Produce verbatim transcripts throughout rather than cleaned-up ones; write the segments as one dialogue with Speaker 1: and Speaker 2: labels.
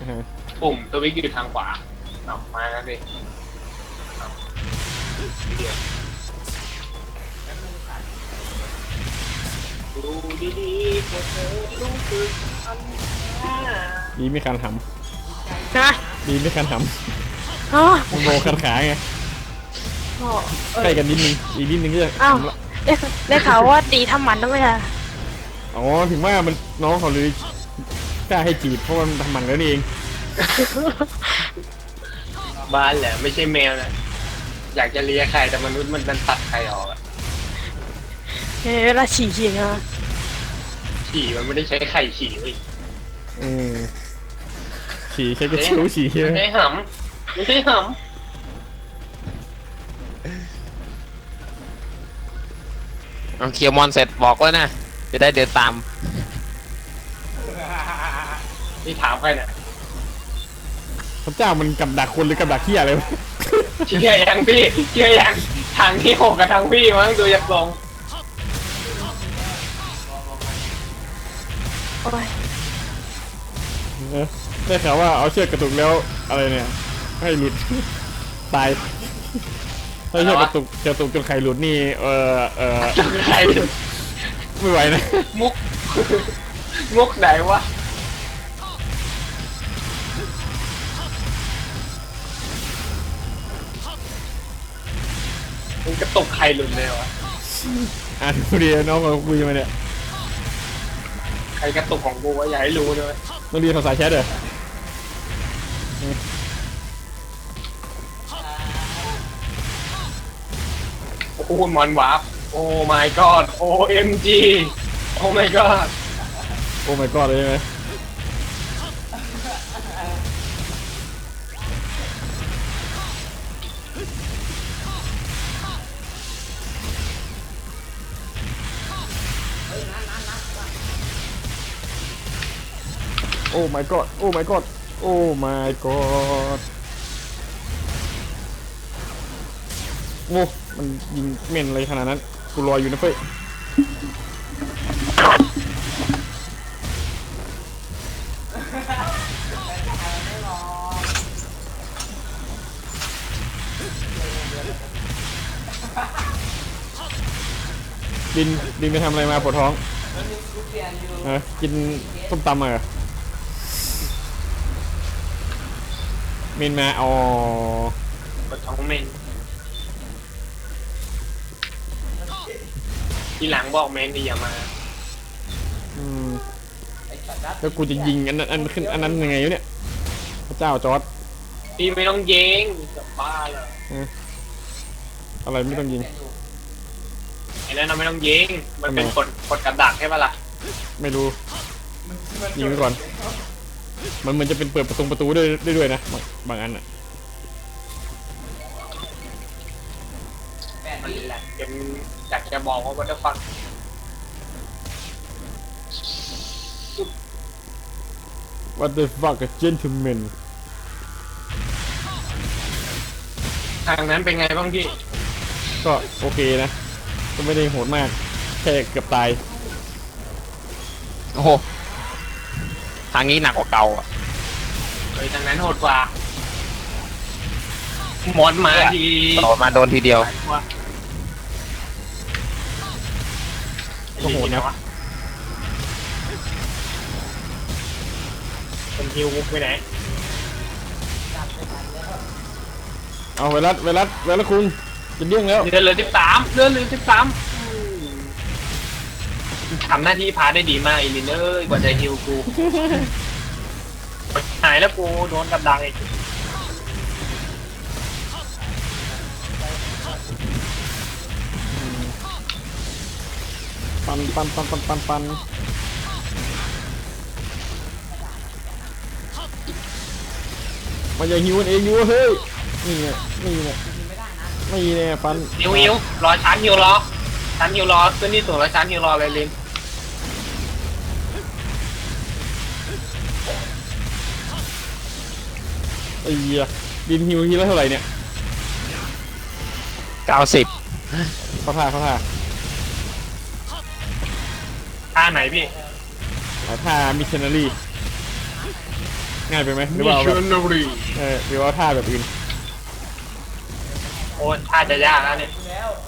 Speaker 1: ปุ่มตัววิกอยู่ทางขวาเอามาแล้วสิดูดีๆพวกเธอรู้สึกอัน
Speaker 2: ดีไม่คันห
Speaker 3: นะ
Speaker 2: ำดีไม่คันห
Speaker 3: อ๋อ
Speaker 2: ำมันโบคันขาไง
Speaker 3: อ๋อเออ
Speaker 2: ใกล้กันนิดนึงอีกนิดนึงก็จะ
Speaker 3: อ้าว
Speaker 2: ทำละ
Speaker 3: ได้ได้ข่าวว่าตีทำหมันแล้วไหมล่ะ
Speaker 2: อ๋อถึงว่ามันน้องเขาเลยกล้าให้จีบเพราะมันทำมันแล้วนี่เอง
Speaker 1: บ้านแหละไม่ใช่แมวนะอยากจะเลียใครแต่มนุษย์มันมันตัดใครออกอะ
Speaker 3: เออเวลาฉี่ฉี่นะ
Speaker 1: ฉี่มันไม่ได้ใช้ไข่ฉี่เว้ย
Speaker 2: อืมฉี่แค่กระชิวฉี่ใช่ไหม
Speaker 1: ไม่ใช่หำไม่ใช่ห
Speaker 4: เอาเคลียร์มอนเสร็จบอกแล้วนะจะได้เดินตาม
Speaker 1: ำนี่ถามใครเนี่ย
Speaker 2: พระเจ้ามันกับดักคนหรือกับดักเหี้ยอะไรวะ
Speaker 1: เชื่อยังพี่เชื่อยังทางที่หกกับทางพี่มั้งดูจากทรง
Speaker 3: โอ้ย
Speaker 2: เออได้ข่าวว่าเอาเชือกกระตุกแล้วอะไรเนี่ยให้หลุด ตายถ้าเชือกกระตุกกระตุกจนไข่หลุดนี่เออเออ
Speaker 1: ใคร
Speaker 2: ไม่ไหวนะ
Speaker 1: มุกมุกไหนวะมึงกระตกใครหลุดเลยวะ
Speaker 2: อ่านดูดีน้องเราคุยมาเนี่ย
Speaker 1: ใครกระตุกของกูวะอย่าให้รู้เลย
Speaker 2: ต้องเรียนภาษาแชทเหรอ
Speaker 1: โอ้โหมอนวาร์ปโอ้ my god โอ เอ็ม จี โอ้ my god
Speaker 2: โอ้ my god เลยใช่ไหมโอ้ my god โอ้ my god โอ้ my god โอ้มันยิงเม่นอะไรขนาดนั้นกูรออยู่นะเฟ้ยดินดินไปทำอะไรมาปวดท้องเออกินส้มตำมาเหรอเมนมาอ๋อ
Speaker 1: กดท้องเมนทีหลังบอกเมนดีอย่ามา
Speaker 2: อืมแล้วกูจะยิงอันนั้นอันขึ้นอันนั้นยังไงวะเนี่ยพระเจ้าจอร์ด
Speaker 1: พี่ไม่ต้องเย้งจะบ้าเลย
Speaker 2: อะไรไม่ต้องยิง
Speaker 1: ไอ้นั่นเราไม่ต้องเย้งมันเป็นกดกดกับดักใช่ปะล่ะ
Speaker 2: ไม่รู้ยิงไปก่อนมันเหมือนจะเป็นเปิดประตูประตูด้วยได้ด้วยนะบางบางอันอ่ะ
Speaker 1: มันแหละยังอยากจะบอกว่าวัตถุฟัง
Speaker 2: What the fuck a gentleman
Speaker 1: ทางนั้นเป็นไงบ้างพี่
Speaker 2: ก็โอเคนะก็ไม่ได้โหดมากแค่เกือบตาย
Speaker 4: โอ้โหทางนี้หนักกว่าเก่าอ่ะ
Speaker 1: เฮ้ยทางนั้นโหดกว่าหมอนมาที
Speaker 4: ต่อมาโดนทีเดียว
Speaker 2: ก็โหดนะ
Speaker 1: คนฮิวมุกไปไหน
Speaker 2: เอาไวรัสไวรัสไวรัสคุงจะเดี้ยงแล้ว
Speaker 1: เดือนเหลือสิบสามเดือนเหลือสิบสามทำหน้าที่พาได้ดีมากอีลินเอ้ยกว่าจะฮิวกู หายแล้วกูโดนกับดักอีก
Speaker 2: ปันปันปันปันปันปันมันจะหิวกันเองอยู่เฮ้ยนี่ไงนี่ไงนี่ไงปัน
Speaker 1: ฮิวฮิวรอชั้นฮิวรอชั้นฮิวรอขึ้นที่สูงแล้วชั้นฮิวรอเลยลิน
Speaker 2: ไอ้เหี้ยดินหิวทีละเท่าไหร่เนี่ย
Speaker 4: เก้าสิบ
Speaker 2: เขาท่าเขาท่า
Speaker 1: ท่าไหนพี่
Speaker 2: เอาท่ามิชชันนารีง่ายไปไหมหรือ
Speaker 1: มิ
Speaker 2: ว่าเอา
Speaker 1: ช
Speaker 2: แบบ
Speaker 1: ชันนารี
Speaker 2: เออหรือว่าท่าแบบอื่น
Speaker 1: โอ้ท่าจะยากแล้วเนี่ย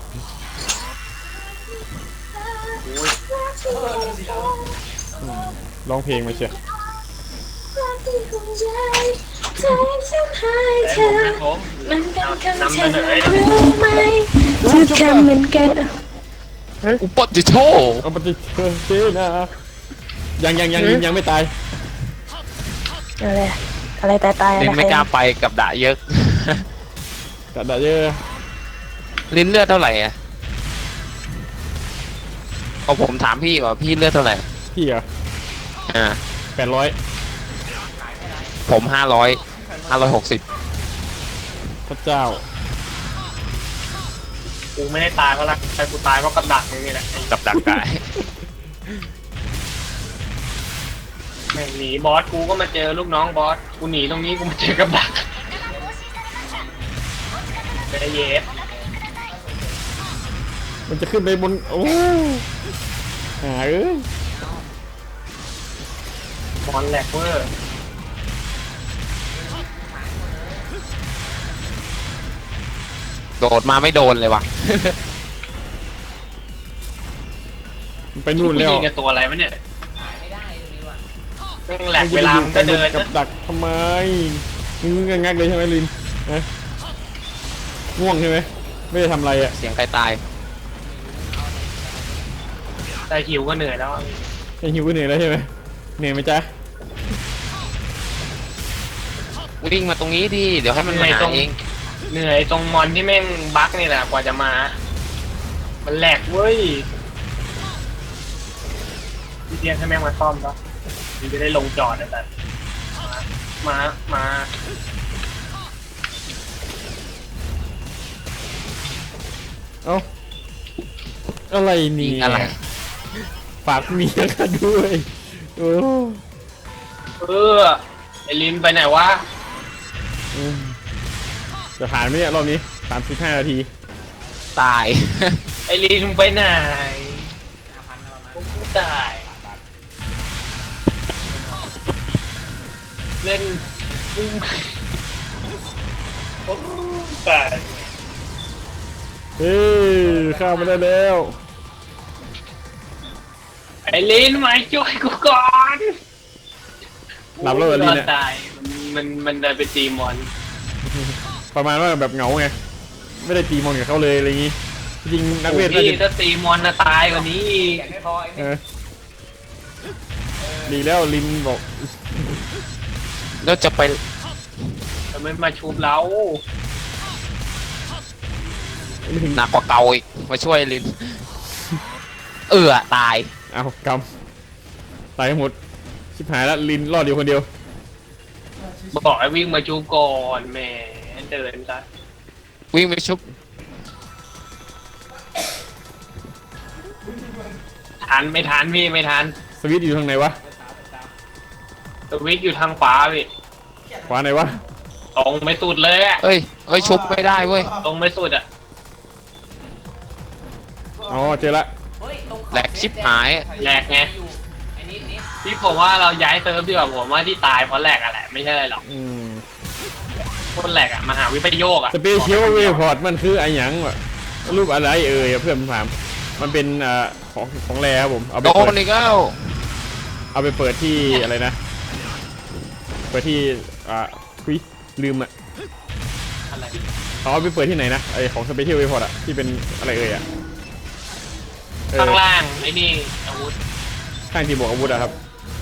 Speaker 1: โอ้ย
Speaker 2: ร้องเพลงมาเชียว
Speaker 1: แต่ผมเป็นผม
Speaker 3: มันเป็นคำ
Speaker 1: นำ
Speaker 3: เชิ
Speaker 1: เส
Speaker 3: ญ
Speaker 1: นอ
Speaker 3: รู้ไหมทุกคำเหมือนกัน
Speaker 4: อุปติโช
Speaker 2: เอาปฏิเสธนะยังยังยังยังยังไม่ตาย
Speaker 3: อะไรอะไรตายตายอะไร
Speaker 4: ลินไม่กล้าไปกับด่าเยอะ
Speaker 2: กระดาษเยอะ
Speaker 4: ลินเลือดเท่าไหร่อะพอผมถามพี่ว่าพี่เลือดเท่าไหร่
Speaker 2: พี่เหรอ
Speaker 4: อ่า
Speaker 2: แปดร้อย
Speaker 4: ผมห้าร้อยห้าร้อยหกสิบ
Speaker 2: พระเจ้า
Speaker 1: กูไม่ได้ตายเพราะอะไรแต่กูตายเพราะกระดักนี่แหละ
Speaker 4: กับดักกาย
Speaker 1: แม่งหนีบอสกูก็มาเจอลูกน้องบอสกูหนีตรงนี้กูมาเจอกับดักไปเย็บ
Speaker 2: มันจะขึ้นไปบนโอ้หาเอ้ย
Speaker 1: บอลแหลกเวอร์
Speaker 4: โดดมาไม่โดนเลยว่ะ
Speaker 2: มันไปนู่นแล้ว
Speaker 1: ยิงกับตัวอะไรวะเนี่ยแม่งแหลกเวลามัน
Speaker 2: กั
Speaker 1: ก็เดิน
Speaker 2: กับ
Speaker 1: นะ
Speaker 2: ดักทำไมมึงงักเลยใช่ไหมลินฮะง่วงใช่ไหมไม่ได้ทำอะไรอ่ะ
Speaker 4: เสียงใครตาย
Speaker 1: แต่หิวก็เหนื่อยแล้ว
Speaker 2: ไอหิวเหนื่อยแล้วใช่ไหมเหนื่อยไหมจ๊ะ
Speaker 4: วิ่งมาตรงนี้ดิเดี๋ยวให้มันมาหาเอง
Speaker 1: เหนื่อยตรงมอนที่แม่งบั๊กนี่แหละกว่าจะมา มันแหลกเว้ยพี่เตียนให้แม่งมาซ่อมแล้วมันจะได้ลงจอดนะแต่มา มา
Speaker 2: เอ้าอะไร
Speaker 4: ยิ
Speaker 2: นี่
Speaker 4: งอะไร
Speaker 2: ฝากเมียกันด้วยโอ้
Speaker 1: เออไอลินไปไหนวะ
Speaker 2: อืมจะผ่านไหมเนี่ยรอบนี้สามสิบห้านาที
Speaker 4: ตาย
Speaker 1: ไอลินไปไหนผมก็ตายเล่นผมตาย
Speaker 2: เฮ้ยข้ามมาได้แล้ว
Speaker 1: ไอลินมาช่วยกูก่อน
Speaker 2: หลับแล้วเหรอลิน
Speaker 1: น
Speaker 2: เนี่ย
Speaker 1: ตายมันมันเดินไปตีมอน
Speaker 2: ประมาณว่าแบบเหงาไงไม่ได้ตีมอนกับเขาเลยอะไรอย่างงี้จริงๆนักเวทน่า
Speaker 1: พี่
Speaker 2: จะ
Speaker 1: ถ้าตีมอนน่ะตายกว่านี้อีก
Speaker 2: เออดีแล้วลินบอก
Speaker 4: แล้วจะไป
Speaker 1: ทำไมมาชุบเรา
Speaker 2: ไม่ถึง
Speaker 4: หนักกว่าเก่าอีกมาช่วยลิน เออตาย
Speaker 2: เอากำตายหมดชิบหายแล้วลินรอดอยู่คนเดียว
Speaker 1: บอกให้วิ่งมาชุบก่อนแหมเดินซะ
Speaker 4: วิ่งไปชุบ
Speaker 1: ทันไม่ทันพี่ไม่ทัน
Speaker 2: สวิตช์อยู่ทางไหนวะ
Speaker 1: สวิตช์อยู่ทางขวาพี่
Speaker 2: ขวาไหนวะ
Speaker 1: ตรงไม่สุดเลยอะ
Speaker 4: เอ้ยเอ้ยชุบไม่ได้เว้ย
Speaker 1: ตรงไม่สุดอะ
Speaker 2: อ๋อเจอละ
Speaker 4: แหลกชิบหาย
Speaker 1: แหลกไงพี่ผมว่าเราย้ายเซิร์ฟดีกว่าผมว่าที่ตายเพราะแหลกอะแหละไม่ใช่อะไรหรอก
Speaker 2: อืม
Speaker 1: คนแหลกอะมหาวิปโยคอะ
Speaker 2: สเปเชียลเวพอร์ตมันคือไอ้หยังวะรูปอะไรเอ่ยเพื่อนผมถามมันเป็นอ่าของของแรครับผมเอาไป
Speaker 4: โด
Speaker 2: เปิด
Speaker 4: นอีกแล้ว
Speaker 2: เอาไปเปิดที่อะไรนะเปิดที่อ่าคุยลืมอ่ะ
Speaker 1: อะไร
Speaker 2: เขาเอาไปเปิดที่ไหนนะไอของสเปเชียลเวพอร์ตอะที่เป็นอะไรเอ่ยอะเออ
Speaker 1: ข้างล่างไอ้นี่อาวุธ
Speaker 2: ข้างที่บอกอาวุธอะครับ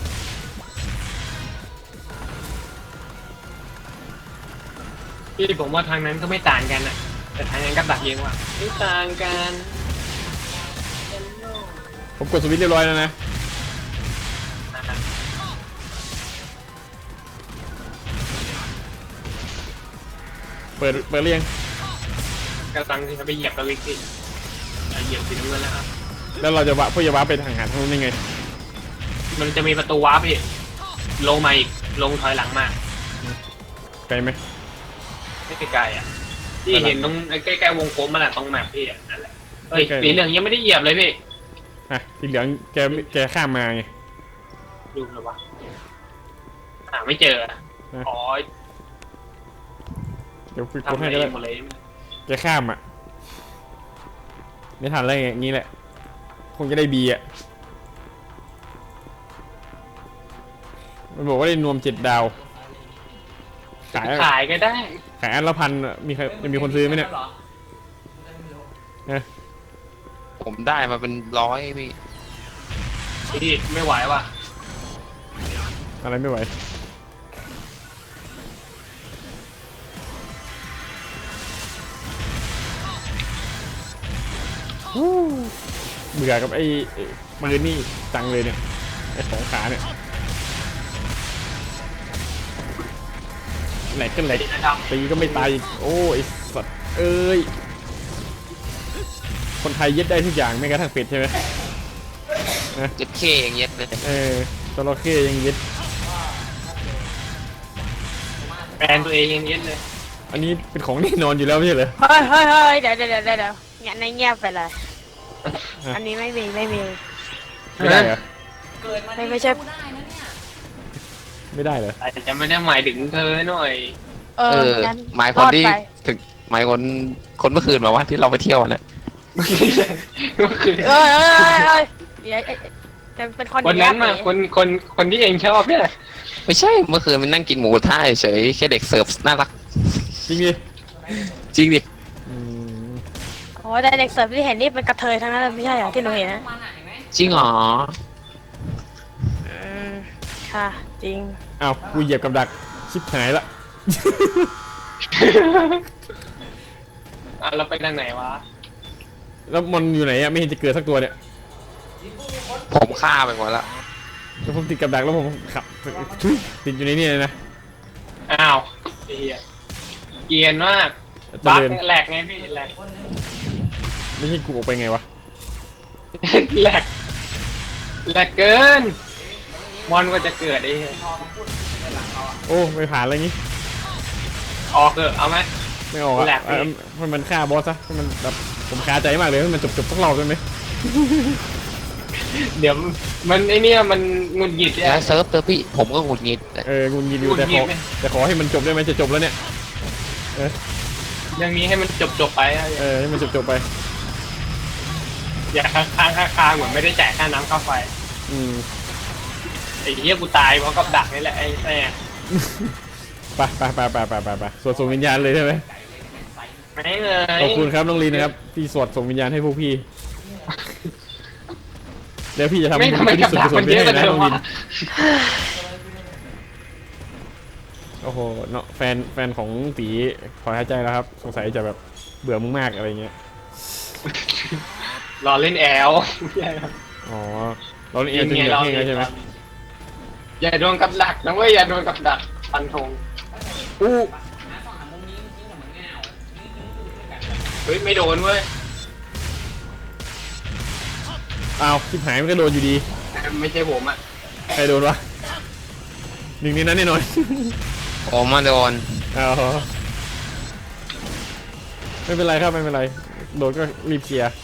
Speaker 1: พี่ผมว่าทางนั้นก็ไม่ต่างกันอะแต่ทางนั้นก็ดักเยอะว่ะไม่ต่างกัน
Speaker 2: ผมกดสวิตช์เรียบร้อยแล้วนะ เปิดเปิดเรียง
Speaker 1: กำลังจะไปเหยียบตะวิกที่เหยียบสีน้ำเงินแล้วครับ
Speaker 2: แล้วเราจะวะพวกจะวะไปทางหาทางนู้นยังไง
Speaker 1: มันจะมีประตูวาร์ปพี่ลงมาอีกลงถอยหลังมา
Speaker 2: ไกลไหม
Speaker 1: ไม่ไกลๆอ่ะที่เห็นตรงใกล้ๆวงกลมมันแหละตรงแมปพี่อ่ะนั่นแหละเฮ้ยสีเหลืองยังไม่ได้เหยียบเลยพี่
Speaker 2: อ่ะสีเหลืองแกแกข้ามมาไง
Speaker 1: ดูเลยวะหาไม่เจออ๋อ
Speaker 2: เดี๋ยวคุย
Speaker 1: ทำ
Speaker 2: ให้
Speaker 1: เอ
Speaker 2: ก็ได้
Speaker 1: งหมดเลย
Speaker 2: แกข้ามอ่ะไม่ทันอะไรอย่างงี้แหละคงจะได้บีอ่ะมันบอกว่าได้นวมเจ็ดดาวขาย
Speaker 1: ขายก็ได้
Speaker 2: ขายอันละพันอะมีใครจะมีคนซื้อไหมเนี่ยนะ
Speaker 4: ผมได้มาเป็นร้อยพี่
Speaker 1: พี่ไม่ไหวว่ะ
Speaker 2: อะไรไม่ไหววู้เบื่อกับไอ้ไอ้ปืนนี่จังเลยเนี่ยไอ้สองขาเนี่ยแหลกก็แหลกตีก็ไม่ตายอีกโอ้ยสัตว์เอ้ยคนไทยยึดได้ทุกอย่างไม่กระทั่งเป็ดใช่ไหม
Speaker 4: เจ็ดเคอย่างเงี้ยเลย
Speaker 2: เออจระเข้ยังยึด
Speaker 1: แบรนด์ตัวเองยังเย็นเลย
Speaker 2: อันนี้เป็นของแน่นอนอยู่แล้วไม่ใช่เหรอ
Speaker 3: เฮ้ยเฮ้ยเฮ้ยเดี๋ยวเดี๋ยวเดี๋ยวเดี๋ยวงั้นในเงียบไปเลย อันนี้ไม่มีไม่มี
Speaker 2: ไม่ได้เหรอ
Speaker 3: ไม่ไม่ใช่
Speaker 2: ไม่ได้เหรอ
Speaker 1: อาจจะไม่ได้หมายถึงเธอหน่อย
Speaker 3: เอ
Speaker 4: เอ
Speaker 3: อ
Speaker 4: อ
Speaker 3: งั้น
Speaker 4: หมายค
Speaker 3: ร
Speaker 4: น
Speaker 3: อด
Speaker 4: ที่
Speaker 3: ไป
Speaker 4: ถึงหมายคนคนเมื่อคืนมาว่าที่เราไปเที่ยวน่ะ
Speaker 1: ก็คือ
Speaker 3: เออเออเออเออเดี๋ยวเอ๊ะจะเป็นคน
Speaker 1: คนนั้นมา
Speaker 3: ดีะ
Speaker 1: คนคนคนที่เองชอบเนี่ย
Speaker 4: ไม่ใช่เมื่อคืนมันนั่งกินหมูกระท่าเฉยแค่เด็กเสิร์ฟน่ารัก
Speaker 2: จริงดิ
Speaker 4: จริงดิ
Speaker 2: อืม
Speaker 3: โอ้แต่เด็กเสิร์ฟที่เห็นนี่เป็นกระเทยทั้งนั้นเลยไม่ใช่เหรอที่หนูเห็นนะ
Speaker 4: จริงเหรอ
Speaker 3: อืมค่ะจริง
Speaker 2: อ้าวกูเหยียบกับดักชิบหายละ
Speaker 1: อ่ะเราไปทางไหนวะ
Speaker 2: แล้วมันอยู่ไหนอะไม่เห็นจะเกิดสักตัวเนี่ย
Speaker 4: ผมฆ่าไปหมดแล้ว
Speaker 2: แล้วผมติดกับดักแล้วผมขับทุยติดอยู่ในนี่เลยนะ
Speaker 1: อ้าวไอ้เหี้ยเกรียนมาก
Speaker 2: เจ
Speaker 1: บั๊ก
Speaker 2: ริญ
Speaker 1: แหลกไงพี่แหลก
Speaker 2: ไม่ใช่กูออกไปไงวะ
Speaker 1: แหลกแหลกเกินมอนก็จะเกิดไอ้เหี้ย
Speaker 2: โอ้ไม่ผ่านอะไรงี้
Speaker 1: ออกเถอะเอาไหม
Speaker 2: ไม่ออกอะ
Speaker 1: แหลกดิ
Speaker 2: เอ่อมันมันฆ่าบอสซะให้มันแบบผมคาใจมากเลยให้มันจบจบๆสักรอบได้ไหม
Speaker 1: เดี๋ยวมันไอเนี่ยมันงุนหงิดเนี่ย
Speaker 4: แล้วเซิร์ฟเตอร์พี่ผมก็หงุดหงิด
Speaker 2: เออกูยินดีแต่
Speaker 1: หงุดหงิ
Speaker 2: ขอ
Speaker 1: ดไหม
Speaker 2: แต่ขอให้มันจบได้ไหมจะจบแล้วเนี่ย
Speaker 1: เรื่องนี้ให้มันจบจบๆไปอะ
Speaker 2: เออให้มันจบจบๆไป
Speaker 1: อย่าค้างค้างค้างค้างเหมือนไม่ได้จ่ายค่าน้ำค่าไฟ
Speaker 2: อืม
Speaker 1: ไอ้เหี้ยกูตายเพราะกับดักนี่แหละไอ้แม่
Speaker 2: ไปไปไปไปไปไปไปสวดส่งวิญญาณเลยใช่ไหม
Speaker 1: ไม่เลย
Speaker 2: ขอบคุณครับน้องลีนะครับที่สวดส่งวิญญาณให้พวกพี่เดี๋ยวพี่จะทำ
Speaker 1: ไม่ทำไม
Speaker 2: ที่
Speaker 1: กับ
Speaker 2: สุด
Speaker 1: ดัก
Speaker 2: กุศ
Speaker 1: มั
Speaker 2: ล
Speaker 1: น
Speaker 2: ไป
Speaker 1: เยอะ
Speaker 2: ให้
Speaker 1: กว่า
Speaker 2: นะ
Speaker 1: เดิ
Speaker 2: น้
Speaker 1: ม
Speaker 2: องลิน
Speaker 1: วะ
Speaker 2: โอ้โหเนาะแฟนแฟนของตีขอหายใจแล้วครับ สงสัยจะแบบเบื่อมึงมากอะไรเงี้ย
Speaker 1: รอเล่นแอล
Speaker 2: อ๋อเราเองจะเหนื่อยเองแล้วใช่ไหม
Speaker 1: อย่าโดนกับดักนะเว้ยอย่าโดนกับดักฟันธง
Speaker 2: อู้
Speaker 1: เฮ้ยไม่โดนเว้ย
Speaker 2: อ้าวชิบหายมันก็โดนอยู่ดี
Speaker 1: ไม่ใช่ผมอ่ะ
Speaker 2: ใครโดนวะหนึ่งในนั้นแน่นอน
Speaker 4: ผมมาโดน
Speaker 2: อ๋อไม่เป็นไรครับไม่เป็นไรโดนก็รีบเคลียร์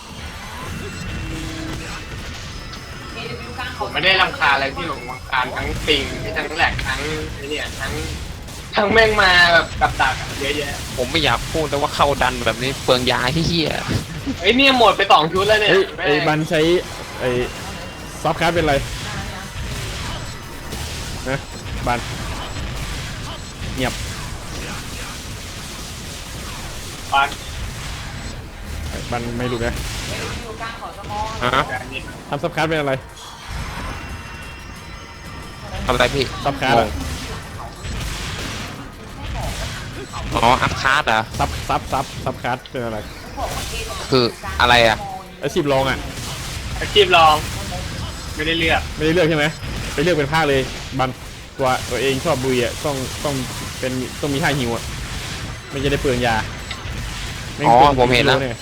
Speaker 1: ผมไม่ได้รำคาญอะไรที่หลงรำคาญทั้งปิงทั้งแหลกทั้งไอ้เนี่ยทั้งทั้งแม่งมาแบบกับดักอะเยอะแยะ
Speaker 4: ผมไม่อยากพูดแต่ว่าเข้าดันแบบนี้เปลืองยาที่เหี้ย
Speaker 1: เฮ้ยเนี่ยหมดไปสองชุดแล้วเนี่ย
Speaker 2: เฮ้ย
Speaker 1: แม่ง
Speaker 2: ไอ้บันใช้ไอ้ซอฟต์คาร์เป็นไรนะบันเงียบ
Speaker 1: ปัน
Speaker 2: บันไม่รู้นะ
Speaker 4: ฮะ
Speaker 1: แบบนี้
Speaker 2: ทำซอฟต์คาร์เป็นอะไร
Speaker 4: ทำอะไรพี่
Speaker 2: ซอฟต์คาร์
Speaker 4: งงอ๋ออัพคาร์ดเหรอ่ะ
Speaker 2: ซับซับซับซับคาร์เป็นอะไร
Speaker 4: คืออะไรอ่ะ
Speaker 2: อาชีพรองอ่ะ
Speaker 1: อาชีพรองไม่ได้เลือก
Speaker 2: ไม่ได้เลือกใช่ไหมไปเลือกเป็นภาคเลยบันตัวตัวเองชอบบุยอ่ะต้องต้องเป็นต้องมีท่าหิวอ่ะไม่จะได้เปลืองยาไงั้น
Speaker 4: อ๋อ
Speaker 2: ปลืง
Speaker 4: ผมเห็นแล้ว
Speaker 2: ย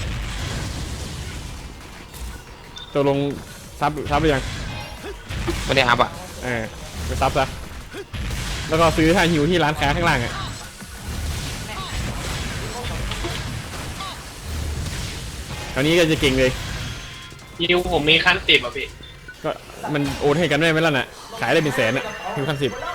Speaker 2: ตกลงซับซับไปยัง
Speaker 4: ไม่ได้อัพอ่ะ
Speaker 2: เออไปซับซะแล้วก็ซื้อท่าหิวที่ร้านค้าข้างล่างอ่ะคราวนี้ก็จะเก่งเลย
Speaker 1: ฮิวผมมีขั้นสิบอ่ะพี่
Speaker 2: ก็มันโอนให้กันได้ไหมล่ะน่ะขายได้เป็นแสนอ่ะหิวขั้นสิบ